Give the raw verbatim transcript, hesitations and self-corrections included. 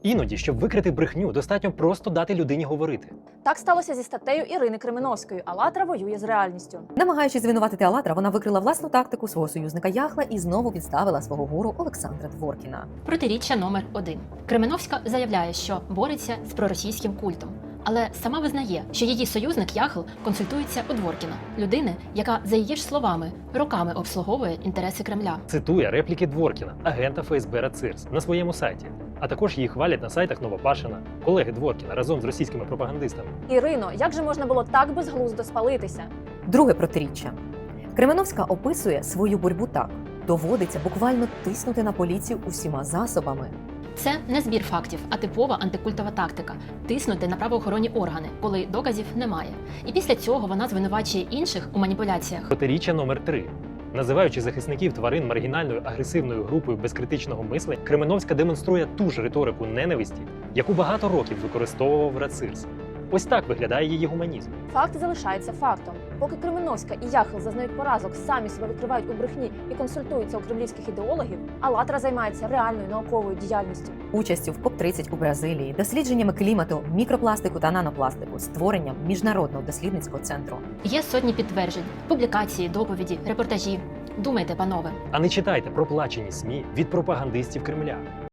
Іноді, щоб викрити брехню, достатньо просто дати людині говорити. Так сталося зі статтею Ірини Кременовської «АЛЛАТРА воює з реальністю». Намагаючись звинуватити «АЛЛАТРА», вона викрила власну тактику свого союзника Яхла і знову підставила свого гуру Олександра Дворкіна. Протиріччя номер один. Кременовська заявляє, що бореться з проросійським культом. Але сама визнає, що її союзник Яхл консультується у Дворкіна, людини, яка, за її ж словами, роками обслуговує інтереси Кремля. Цитує репліки Дворкіна, агента еф ес бе РАЦИРС, на своєму сайті. А також її хвалять на сайтах Новопашина, колеги Дворкіна разом з російськими пропагандистами. Ірино, як же можна було так безглуздо спалитися? Друге протиріччя. Кременовська описує свою боротьбу так: доводиться буквально тиснути на поліцію усіма засобами. Це не збір фактів, а типова антикультова тактика – тиснути на правоохоронні органи, коли доказів немає. І після цього вона звинувачує інших у маніпуляціях. Протиріччя номер три. Називаючи захисників тварин маргінальною агресивною групою без критичного мислення, Кременовська демонструє ту ж риторику ненависті, яку багато років використовував РАЦИРС. Ось так виглядає її гуманізм. Факт залишається фактом. Поки Кременовська і Яхл зазнають поразок, самі себе викривають у брехні і консультуються у кремлівських ідеологів, «АЛЛАТРА» займається реальною науковою діяльністю. Участю в коп тридцять у Бразилії, дослідженнями клімату, мікропластику та нанопластику, створенням міжнародного дослідницького центру. Є сотні підтверджень, публікації, доповіді, репортажі. Думайте, панове. А не читайте проплачені ес ем і від пропагандистів Кремля.